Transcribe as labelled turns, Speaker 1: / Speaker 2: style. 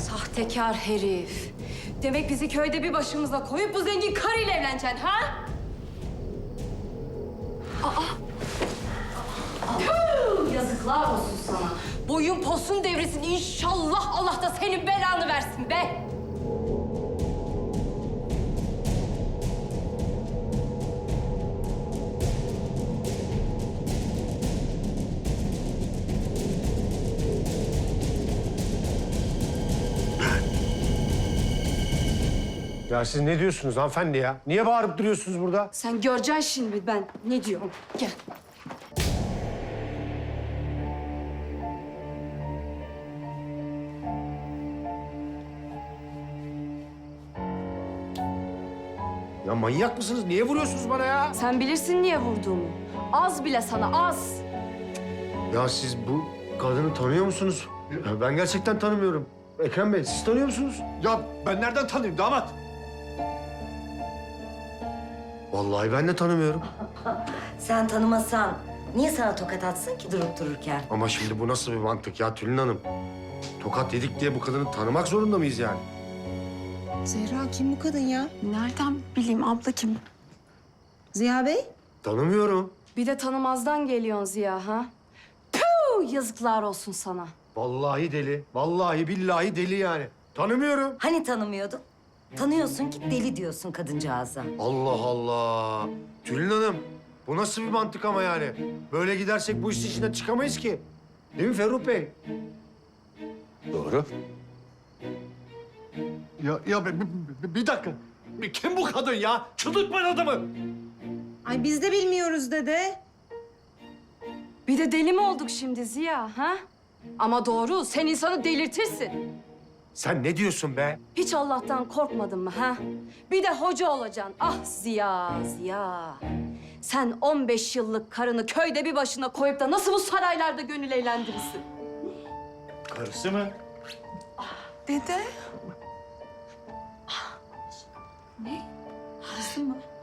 Speaker 1: Sahtekar herif. Demek bizi köyde bir başımıza koyup bu zengin karıyla evleneceksin ha? Tüh, yazıklar olsun sana. Boyun posun devresin. İnşallah Allah da senin belanı versin be.
Speaker 2: Ya siz ne diyorsunuz hanımefendi ya? Niye bağırıp duruyorsunuz burada?
Speaker 1: Sen göreceksin şimdi ben ne diyorum. Gel.
Speaker 2: Ya manyak mısınız? Niye vuruyorsunuz bana ya?
Speaker 1: Sen bilirsin niye vurduğumu. Az bile sana az.
Speaker 2: Ya siz bu kadını tanıyor musunuz? Ya ben gerçekten tanımıyorum. Ekrem Bey, siz tanıyor musunuz?
Speaker 3: Ya ben nereden tanıyayım damat?
Speaker 2: Vallahi ben de tanımıyorum.
Speaker 4: Sen tanımasan niye sana tokat atsın ki durup dururken?
Speaker 2: Ama şimdi bu nasıl bir mantık ya Tülin Hanım? Tokat yedik diye bu kadını tanımak zorunda mıyız yani?
Speaker 5: Zehra kim bu kadın ya?
Speaker 6: Nereden bileyim abla kim?
Speaker 5: Ziya Bey?
Speaker 2: Tanımıyorum.
Speaker 1: Bir de tanımazdan geliyorsun Ziya ha? Puh, yazıklar olsun sana.
Speaker 2: Vallahi deli. Vallahi billahi deli yani. Tanımıyorum.
Speaker 4: Hani tanımıyordun? Tanıyorsun ki deli diyorsun kadıncağıza.
Speaker 2: Allah Allah. Tülin Hanım, bu nasıl bir mantık ama yani? Böyle gidersek bu işin içinden çıkamayız ki. Değil mi Ferruh Bey?
Speaker 3: Doğru. Bir dakika. Kim bu kadın ya? Çıldırtmayın adamı.
Speaker 5: Ay biz de bilmiyoruz dede.
Speaker 1: Bir de deli mi olduk şimdi Ziya ha? Ama doğru, sen insanı delirtirsin.
Speaker 2: Sen ne diyorsun be?
Speaker 1: Hiç Allah'tan korkmadın mı ha? Bir de hoca olacaksın. Ah Ziya, Ziya. Sen 15 yıllık karını köyde bir başına koyup da nasıl bu saraylarda gönül eğlendirirsin?
Speaker 3: Karısı mı?
Speaker 6: Dede.
Speaker 1: Karısı mı?